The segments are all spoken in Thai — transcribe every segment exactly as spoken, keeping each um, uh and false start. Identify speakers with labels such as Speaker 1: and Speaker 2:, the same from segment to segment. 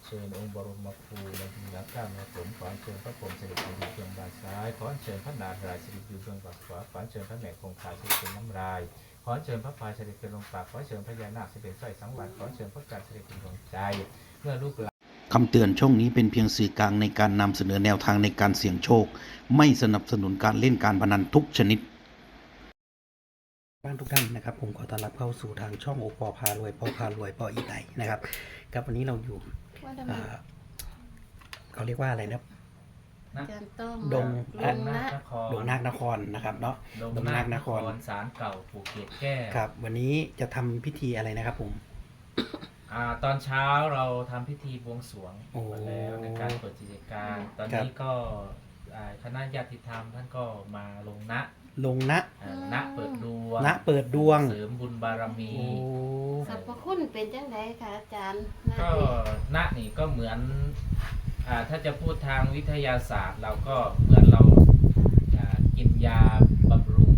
Speaker 1: ชิญองค์บรมครูในที่นักข้ามในผมขอเชิญพระพรหมสิริอยู่เบื้องด้านซ้ายขอเชิญพระนารายณ์สิริอยู่เบื้องด้านขวาขอเชิญพระแม่คงคาสิริเป็นน้ำลายขอเชิญพระพายสิริเป็นลมปากขอเชิญพญานาคสิริเป็นสร้อยสังวรขอเชิญพระกาศสิริเป็นดวงใจเมื่อลูกหลาน
Speaker 2: คำเตือนช่องนี้เป็นเพียงสื่อกลางในการนำเสนอแนวทางในการเสี่ยงโชคไม่สนับสนุนการเล่นการพนันทุกชนิดบ้านทุกท่านนะครับผมขอต้อนรับเข้าสู่ทางช่องโอปอพารวยปอพารวยปออีไตนะครับครับวันนี้เราอยู่เขาเรียกว่าอะไรนะดง
Speaker 1: ดงนาคนคร
Speaker 2: ดงนาคนครนะครับเนาะดงนาคนคร
Speaker 1: ศาลเก่าปู่เกศแก้ว
Speaker 2: ครับวันนี้จะทำพิธีอะไรนะครับผม
Speaker 1: อ่าตอนเช้าเราทำพิธีบวงสรวงมาแล้วในการเปิดกิจการตอนนี้ก็คณะญาติธรรมท่านก็มาลงนะ
Speaker 2: ลงนะ
Speaker 1: ณเปิดดวง
Speaker 2: ณเปิดดวง
Speaker 1: เสริมบุญบารมี
Speaker 3: สรรพคุณเป็นจังไดคะอาจารย์
Speaker 1: ก็ณนี่ก็เหมือนอ่าถ้าจะพูดทางวิทยาศาสตร์เราก็เหมือนเรากินยาบำรุง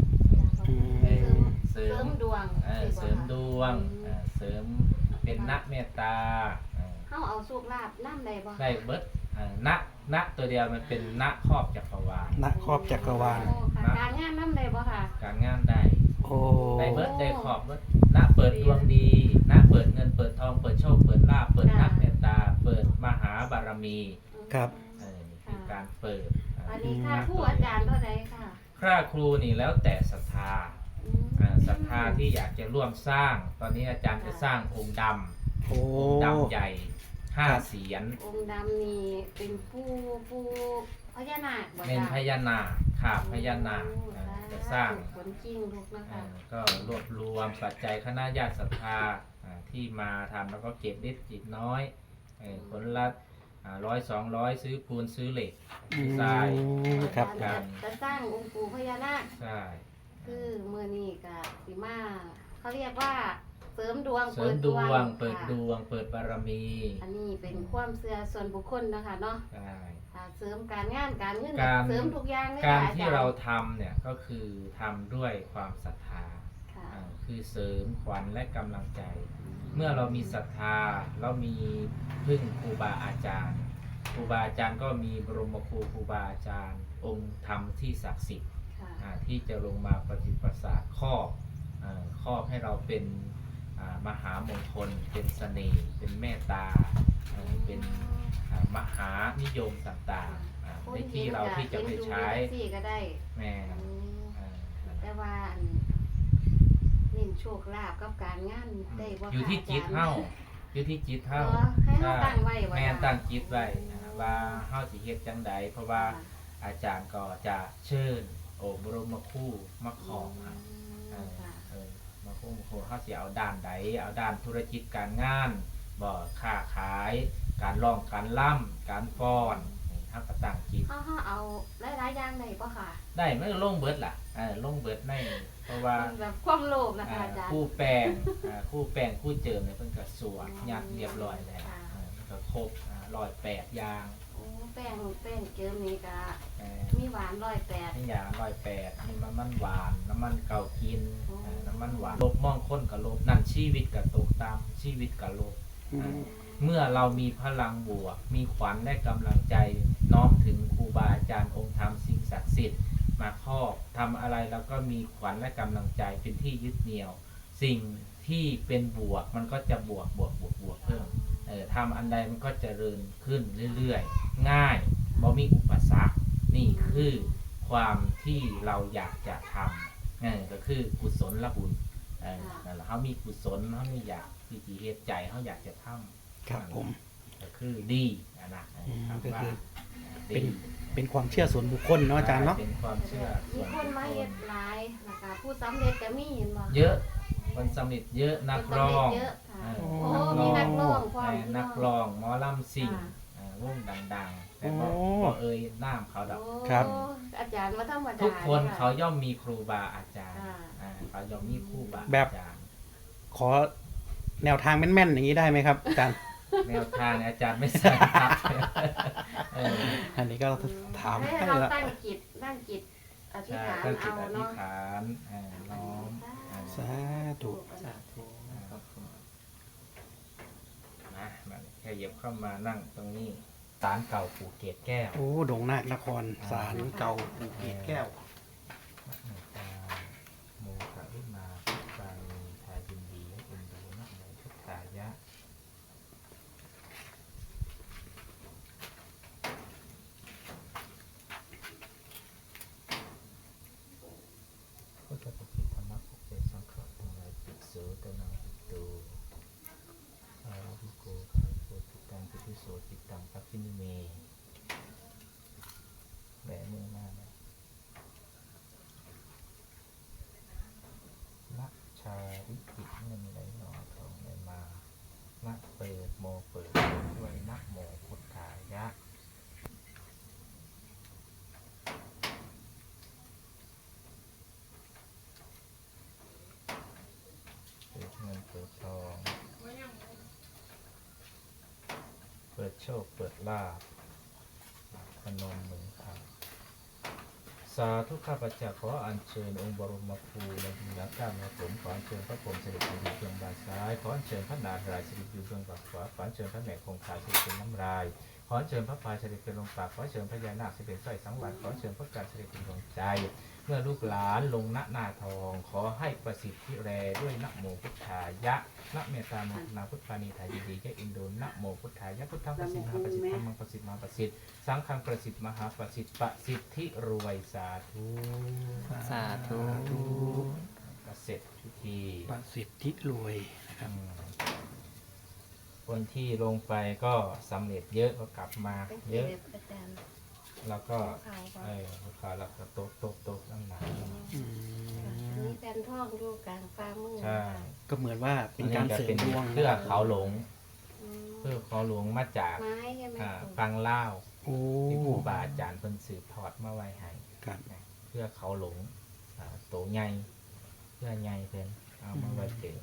Speaker 3: เสริมดวง
Speaker 1: เสริมดวงเสริมเป็นณเมตตา
Speaker 3: เขาเอาสุขลาภน้ำใดบ่
Speaker 1: ได้เบิดณณตัวเดียวมันเป็นณครอบจักรวาล
Speaker 2: ณครอบจักรวาล
Speaker 3: การงานน้ำใดบ่ค่ะ
Speaker 1: การงานได้
Speaker 2: โอ้
Speaker 1: ได้เบิดได้ขอบเบิดณเปิดดวงดีณเปิดเงินเปิดทองเปิดโชคเปิดลาภเปิดณเมตตาเปิดมหาบารมี
Speaker 2: ครับ
Speaker 1: เออคือการเปิด
Speaker 3: อันนี้ค่าผู้อาจารย์เท่าไหร่ค่ะ
Speaker 1: ค่าครูนี่แล้วแต่ศรัทธาศรัทธาที่อยากจะร่วมสร้างตอนนี้อาจารย์จะสร้างองค์ดำองค์ดำใหญ่ห้าเสียน
Speaker 3: องค์ดำนี่เป็นผู้ผู้พญานาค
Speaker 1: เป็นพญานาคขาบพญานาคจะสร้าง
Speaker 3: ผลจริงทุกนะคะ
Speaker 1: ก็รวบรวมปัจจัยคณะญาติศรัทธาที่มาทำแล้วก็เก็บเล็กจิตน้อยคนละร้อยสองร้อยซื้อปูนซื้อเหล็กทราย
Speaker 2: ครับ
Speaker 1: การ
Speaker 3: จะสร้างองค์ปู่พญานาค
Speaker 1: ใช่
Speaker 3: คือเมื่อนี้กับสีมาเขาเรียกว่าเสริมดวง
Speaker 1: เสริมดวงเปิดดวงเปิดบารมี
Speaker 3: อันนี้เป็นความเชื่อส่วนบุคคลนะคะเนาะ
Speaker 1: ใช่
Speaker 3: เสริมการงานการเงินเสริมทุกอย่างเลย
Speaker 1: การที่เราทำเนี่ยก็คือทำด้วยความศรัทธาคือเสริมขวัญและกำลังใจเมื่อเรามีศรัทธาเรามีพึ่งครูบาอาจารย์ครูบาอาจารย์ก็มีบรมครูครูบาอาจารย์องค์ธรรมที่ศักดิ์สิทธิ์ที่จะลงมาปฏิปัสสาครอบครอบให้เราเป็นมหามงคลเป็นเสน่ห์เป็นเมตตาเป็นมหานิยมต่างๆในที่เราที่จะไปใช้แม่
Speaker 3: แต่ว่าเน้นโชคลาภกับการงานได้บ่
Speaker 1: อยู่ที่จิตเฮาอยู่ที่จิตเฮา
Speaker 3: ให้เฮาตั้งไว้
Speaker 1: แม่ตั้งจิตไว้ว่าเฮาสิเฮ็ดจังใดเพราะว่าอาจารย์ก็จะเชิญโอ้บรมครูมาขอมาเออมาครูมาครูเฮาสิเอาด้านใดเอาด้านธุรกิจการงานบ่ค้าขายการร้องการล่ำการฟ้อนเฮาก็ตั้งจิต
Speaker 3: เฮาเฮาเอาหลายๆอย่างได้บ่ค่ะ
Speaker 1: ได้มันลงเบิดล่ะเออลงเบิดในเพราะว่า
Speaker 3: แบบความโลภนะคะอาจารย์
Speaker 1: คู่แป้งคู่แป้งคู่เจิมเนี่ยเพิ่นก็สวดยัดเรียบร้อยแล้วมันก็ครบร้อยแปดอย่าง
Speaker 3: โอ้แป้งแป้งเจิมนี่ก็มีหวานร้อยแปด
Speaker 1: มีอย่างร้อยแปดมีน้ำมันหวานน้ำมันเก่ากินน้ำมันหวานลบมองค้นกับลบนั่นชีวิตกับตกตามชีวิตกับลบเมื่อเรามีพลังบวกมีขวัญและกำลังใจน้อมถึงครูบาอาจารย์องค์ธรรมสิ่งศักดิ์สิทธิ์มาครอบทำอะไรแล้วก็มีขวัญและกำลังใจเป็นที่ยึดเหนี่ยวสิ่งที่เป็นบวกมันก็จะบวกบวกบวกบวกเพิ่มเออทำอันใดมันก็เจริญขึ้นเรื่อยๆง่ายบ่มีอุปสรรคนี่คือความที่เราอยากจะทำเออก็คือกุศลละบุญเออนั่นแหละเขามีกุศลเขาไม่อยากที่จะเฮ็ดใจเขาอยากจะทำ
Speaker 2: ครับผม
Speaker 1: ก็คือดีนะนะ
Speaker 2: ก็คือเป็นเป็นความเชื่อส่วนบุคคลเนาะอาจารย์เนาะ
Speaker 1: เป็นความเชื่อ
Speaker 3: มีคนมาเฮ็ดหลายนะคะผู้สำเร็จก็มีเห็นบ่
Speaker 1: เยอะคนสำเร็จเยอะนักร้อง
Speaker 3: โอ้มีนักร้องความ
Speaker 1: นักร้องหมอลำซิ่งวงดังๆแต่บ่เอ่ยน้ำเขาดอก
Speaker 2: ครับ
Speaker 3: อาจารย์ว่าธรรมดา
Speaker 1: ทุกคนเขาย่อมมีครูบาอาจารย์เขาย่อมมีครูบาอาจารย์
Speaker 2: ขอแนวทางแม่นๆอย่างนี้ได้ไหมครับอาจารย์
Speaker 1: แนวทางอาจารย์ไม่ทราบครับ
Speaker 2: อันนี้ก็ถาม
Speaker 3: ให้เราตั้งจิตตั้งจิตอธิษฐานเอา
Speaker 1: เนาะอธิษฐานน้อม
Speaker 2: สาธุ
Speaker 1: สาธุมาแค่ขยับเข้ามานั่งตรงนี้ศาลเก่าปู่เกศแก้ว
Speaker 2: โอ้ดงนาคนครศาลเก่าปู่เกศแก้ว
Speaker 1: โมกะวิมาพุทธานีทายินดีให้เป็นดูนะโมพุทธายะพุทธปฏิธรรมะปกเจสังขารทั้งหลายปิโสตนังปิโตอาวิโกคาโพติตังปิติโสติตังปัจจินิเมแหวนมือมาเนี่ยนักชาวิกิเงินไหลนอทองไหลมานักเปิดโมเปิดด้วยนักโมพุทธายะเปิดเงินเปิดทองเปิดโชคเปิดลาภพนมมือครับสาธุข้าพเจ้าขออัญเชิญองค์บรมครูในดินข้ามมาผมขออัญเชิญพระพรหมเสด็จอยู่เบื้องบานซ้ายขออัญเชิญพระนารายณ์เสด็จอยู่เบื้องบานขวาขออัญเชิญพระแม่คงคาเสด็จเป็นน้ำลายขออัญเชิญพระพายเสด็จเป็นลมปากขออัญเชิญพญานาคเสด็จสร้อยสังวรขออัญเชิญพระกาศเสด็จเป็นดวงใจเมื่อลูกหลานลงณหน้าทองขอให้ประสิทธิแรด้วยนะโมพุทธายะนะเมตตาโมนาพุทธานีทายิดีแก่อินโดนะโมพุทธายะพุทธังประสิทธิ์มหาประสิทธิ์ธรรมังประสิทธิ์มหาประสิทธิ์สังฆังประสิทธิ์มหาประสิทธิ์ประสิทธิรวยสาธุ
Speaker 4: สาธุ
Speaker 1: ก็เสร็จพิธี
Speaker 2: ประสิทธิรวยนะครับ
Speaker 1: อืมคนที่ลงไปก็สำเร็จเยอะก็กลับมา
Speaker 3: เป็น
Speaker 1: เยอะ
Speaker 3: เด็กอาจารย์
Speaker 1: แล้วก็
Speaker 3: ขาว
Speaker 1: เออลูกค้าแล้วก็โต๊ะโต๊ะโต๊ะนั่งหนา
Speaker 2: อืม
Speaker 3: มีแผ่นทองอยู่กลางฟ้ามือ
Speaker 1: ใช่
Speaker 2: ก็เหมือนว่าเป็นการเสริมดวง
Speaker 1: เพื่อเขาหลง
Speaker 3: อืม
Speaker 1: เพื่อเขาหลงมาจาก
Speaker 3: ไม้ใช่ไหม
Speaker 1: อ่า
Speaker 3: ครู
Speaker 1: ฟังเล่า
Speaker 2: โอ้
Speaker 1: ที่ครูบาอาจารย์เพิ่นสืบทอดมาไว้ให้
Speaker 2: ครับ
Speaker 1: นะเพื่อเขาหลงอ่าโตใหญ่เพื่อใหญ่เพิ่นเอามาไว้เป็น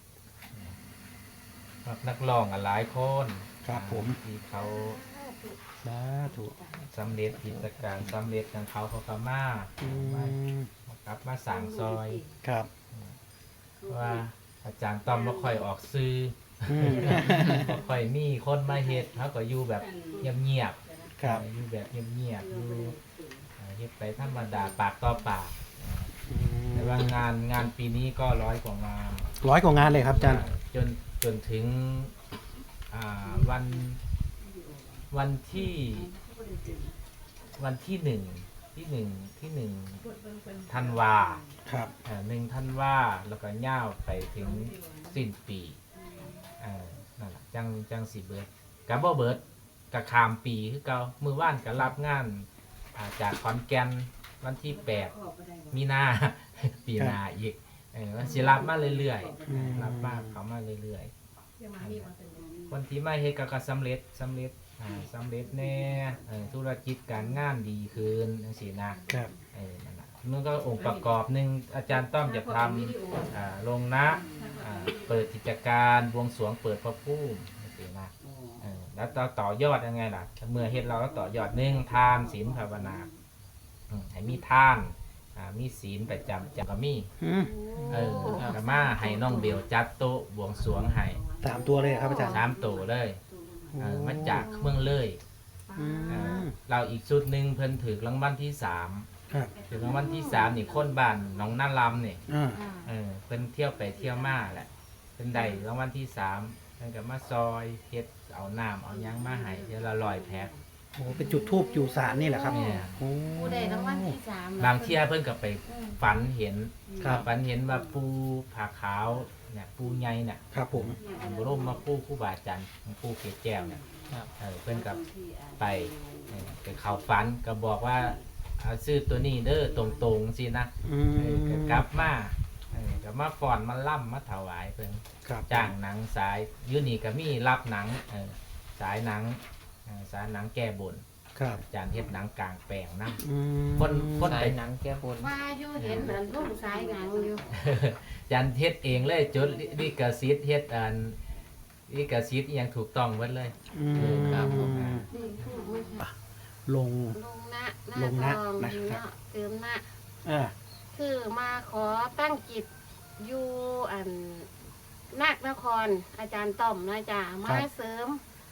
Speaker 1: นักร้องอะหลายคน
Speaker 2: ครับผม
Speaker 1: ที่เขา
Speaker 2: สาธุ
Speaker 1: สำเร็จกิจการสำเร็จของเขาเขาก็มา
Speaker 2: อืม
Speaker 1: กลับมาสั่งซอย
Speaker 2: ครับ
Speaker 1: ว่าอาจารย์ต้อมบ่ค่อยออกซื้อ
Speaker 2: อืม
Speaker 1: บ่ค่อยมีคนมาเฮ็ดเขาก็อยู่แบบเงียบ
Speaker 2: ครับ
Speaker 1: ๆอยู่แบบเงียบๆอยู่อ่าเฮ็ดไปธรรมดาปากต่อปาก
Speaker 2: อืม
Speaker 1: แต่ว่างานงานปีนี้ก็ร้อยกว่างาน
Speaker 2: ร้อยกว่างานเลยครับอาจารย์
Speaker 1: จนจนถึงอ่าวันวันที่วันที่หนึ่งที่หนึ่งที่หนึ่งธันวา
Speaker 2: ครับ
Speaker 1: อ่าหนึ่งธันวาแล้วก็ย่าวไปถึงสิ้นปีอ่านั่นแหละจังจังสิเบิดกับบ่เบิดกับขามปีคือเก่ามือว่านก็รับงานอ่าจากขอนแก่นวันที่แปดมีนา ปีหนาอีกเออมันสิรับมาเรื่อย
Speaker 2: อืม
Speaker 1: ๆรับมาเขามาเรื่อยๆคนที่มาเฮ็ดก็ก็สำเร็จสำเร็จอ่าสำเร็จแน่เออธุรกิจการงานดีขึ้นจังซี่นะครับ เออนั่นน่ะมันก็องค์ประกอบหนึ่งอาจารย์ต้อมจะทำอ่าลงนะอ่าเปิดกิจการบวงสรวงเปิดพระภูมิจังซี่นะเออแล้วต่อต่อยอดยังไงล่ะเมื่อเฮ็ดเราก็ต่อยอดหนึ่งทานศีลภาวนาอืมให้มีทานอ่ามีศีลประจำจะก็มี
Speaker 2: อืม
Speaker 1: เออก็มาให้น้องเบลจัดโต๊ะบวงสรวงให้
Speaker 2: สามตัวเลยครับอาจารย์
Speaker 1: สามโต๊ะเลยเออมาจากเมืองเลย
Speaker 2: อื
Speaker 1: เออ
Speaker 2: ม
Speaker 1: เราอีกชุดหนึ่งเพิ่นถือรางวัลที่สาม
Speaker 2: ครับ
Speaker 1: ถือรางวัลที่สามนี่คนบ้านหน้องนาลำนี่
Speaker 2: อ่า
Speaker 1: เออเพิ่นเที่ยวไปเที่ยวมาแหละเพิ่นได้รางวัลที่สามเพิ่นก็มาซอยเฮ็ดเอาน้ำเอาหยังมาให้เดี๋ยวละร้อยแพ็ค
Speaker 2: โอ้เป็นจุดทูบอยู่ศาลนี่แหละครับ
Speaker 1: เนี่ย
Speaker 2: โอ้
Speaker 3: ผู้ใดรางวัลที่สาม
Speaker 1: บางเที่ยเพิ่นก็ไปฝันเห็น
Speaker 2: ครับ
Speaker 1: ฝันเห็นว่าปูผาขาวเนี่ยปูใหญ่เนี่ย
Speaker 2: ครับผม
Speaker 1: บรมมาปูครูบาอาจารย์ของปูเกศแก้วเนี่ยเออเพิ่นกับไปเออไปเข้าฝันก็บอกว่าเอาซื้อตัวนี้เด้อตรงๆสินะ
Speaker 2: อื
Speaker 1: เออ
Speaker 2: ม
Speaker 1: ก็กลับมาเออก็มาฟ้อนมาล่ำมาถวายเพิ่น
Speaker 2: ครับ
Speaker 1: จ้างหนังสายอยูนี่ก็มีรับหนังเออสายหนังเออสายหนังแก้บน
Speaker 2: ครับ
Speaker 1: อาจารย์เฮ็ดหนังกลางแปลงนำ
Speaker 2: อืม
Speaker 1: คนคน
Speaker 4: สา
Speaker 1: ไป
Speaker 4: ยหนังแก้บน
Speaker 3: ว่าอยู่เห็นเหมือนลูกสายหนังอยู่
Speaker 1: อาจารย์เฮ็ดเองเลยจดลิขสิทธิ์เฮ็ดอันลิขสิทธิ์อิหยังถูกต้องหมดเลย
Speaker 2: อืม
Speaker 4: ครับผม
Speaker 3: นี่พูดไม่ใช่
Speaker 2: ลง
Speaker 3: ลงนะห
Speaker 2: ล
Speaker 3: น้าง
Speaker 2: นะ
Speaker 3: ทอง
Speaker 2: นะ
Speaker 3: ดี
Speaker 2: ครับ
Speaker 3: เนาะเติมนะ
Speaker 2: อ่า
Speaker 3: คือมาขอตั้งจิตอยู่อันนาคนครอาจารย์ต้อมนะจ๊ะมาเสริม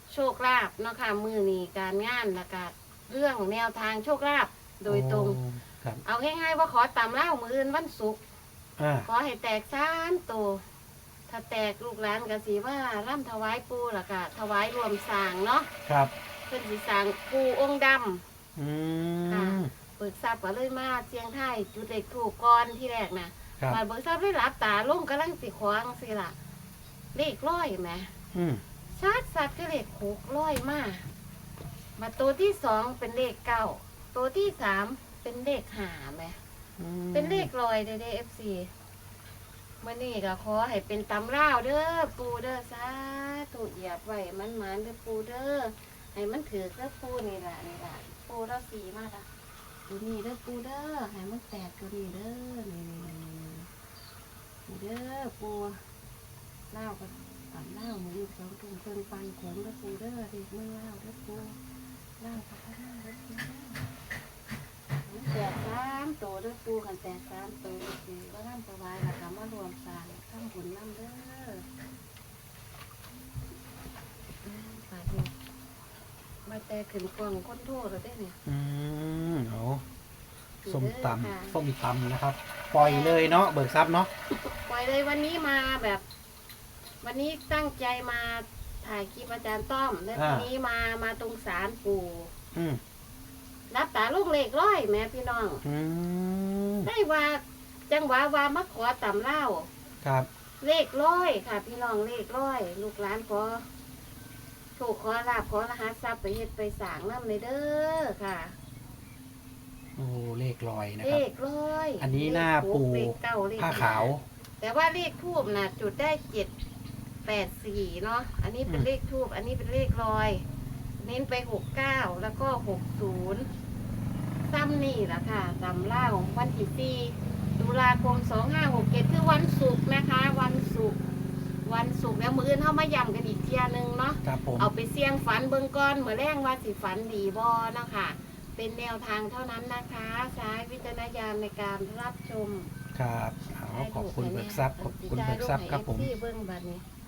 Speaker 3: โชคลาภเนาะค่ะมือนี้การงานแล้วก็เรื่องแนวทางโชคลาภโดยตรง
Speaker 5: โอ้ครับ
Speaker 3: เอาง่ายๆว่าขอตามเล่ามืออื่นวันศุกร์
Speaker 5: อ่า
Speaker 3: ขอให้แตกสามตัวถ้าแตกลูกหลานก็สิว่าร่ำถวายปูล่ะก็ถวายรวมสร้างเนาะ
Speaker 5: ครับ
Speaker 3: เพิ่นสิสร้างปูองค์ดำ
Speaker 5: อื
Speaker 3: ค่ะ
Speaker 5: ม
Speaker 3: เบิกทรัพย์ก็เลยมาเสียงไทายจุดเล็กถูกก่อนที่แรกนะครับ มาเบิกทรัพย์ได้รับตาลงกำลังสิขวางสิล่ะเลขร้อยไหม
Speaker 5: อืม
Speaker 3: ชาติสัตว์ก็เลขหกร้อยมามาตัวที่สองเป็นเลขเก้าตัวที่สามเป็นเลขห้าไหม
Speaker 5: อืม
Speaker 3: เป็นเลขลอยเด้อเอฟซีมื่อนี้ก็ขอให้เป็นตำราวเด้อปูเด้อสาธุเหยียบไว้มันหมานเด้อปูเด้อให้มันถือเด้อปูนี่ล่ะนี่ล่ะปูเราสีมากอ่ะดูนี่เด้อปูเด้อให้มันแตกตัวนี้เด้อนี่นี่เด้อปูเล่ากันตำเล่ามือสองตุ่มเพิ่งปันขนเด้อปูเด้อเด็กมือเล่าเด้อปูเล่ากับข้าวเด้อปูเด้อ แตกสามโตด้วยปูกันแตกสามโตคือว่าร่ำสบายละค่ะมารวมสร้างทำบุญน้ำเด้อไปดูมาแต่ขึ้นกล่องคนโทษแล้วได้เนี่ย
Speaker 5: อืมเอาส้มต
Speaker 3: ค่ะ
Speaker 5: ำส้มตำนะครับ ปล่อยเลยเนาะเบิกทรัพย์เนาะ
Speaker 3: ปล่อยเลยวันนี้มาแบบ วันนี้ตั้งใจมาถ่ายคลิปอาจารย์ต้อมแล้ววันนี้มามาตรงศาลปู่
Speaker 5: อืม
Speaker 3: รับตาลูกเลขร้อยแม่พี่น้อง
Speaker 5: อืม
Speaker 3: ได้ว่าจังหวะว่ามาขอต่ำเล่า
Speaker 5: ครับ
Speaker 3: เลขร้อยค่ะ พี่น้องเลขร้อย ลูกหลานขอถูกขอลาบขอรหัสทรัพย์ไปเฮ็ดไปสร้างน้ำเลยเด้อค่ะ
Speaker 5: โอ้เลขลอยนะ
Speaker 3: เล
Speaker 5: ครับ
Speaker 3: ขร้อย
Speaker 5: อันนี้หน้า
Speaker 3: เลขหก
Speaker 5: ปู่
Speaker 3: เลขเก้าเลข
Speaker 5: ผ้าขาว
Speaker 3: แต่ว่าเลขทูบน่ะ จุดได้เจ็ดแปดสี่เนาะอันนี้เป็น
Speaker 5: อืม
Speaker 3: เลขทูบอันนี้เป็นเลขร้อย เน้นไปหกเก้าแล้วก็หกศูนย์ซ้ำนี่แหละค่ะตำเล่าวันที่สี่ตุลาคมสองห้าหกเจ็ดคือวันศุกร์นะคะ วันศุกร์วันศุกร์แล้วมืออื่นเข้ามาย้ำกันอีกเทียหนึงเนาะ
Speaker 5: ครับผม
Speaker 3: เอาไปเสี่ยงฝันเบิ่งก่อนเมื่อแรงว่าสิฝันดีบ่เนาะค่ะ เป็นแนวทางเท่านั้นนะคะใช้วิจารณญาณในการรับชม
Speaker 5: ครับเอาขอบคุณเบิกทรัพย์ขอบคุณเบิกทรัพย์ครับผม
Speaker 3: ที่เบิ่งบัดนี้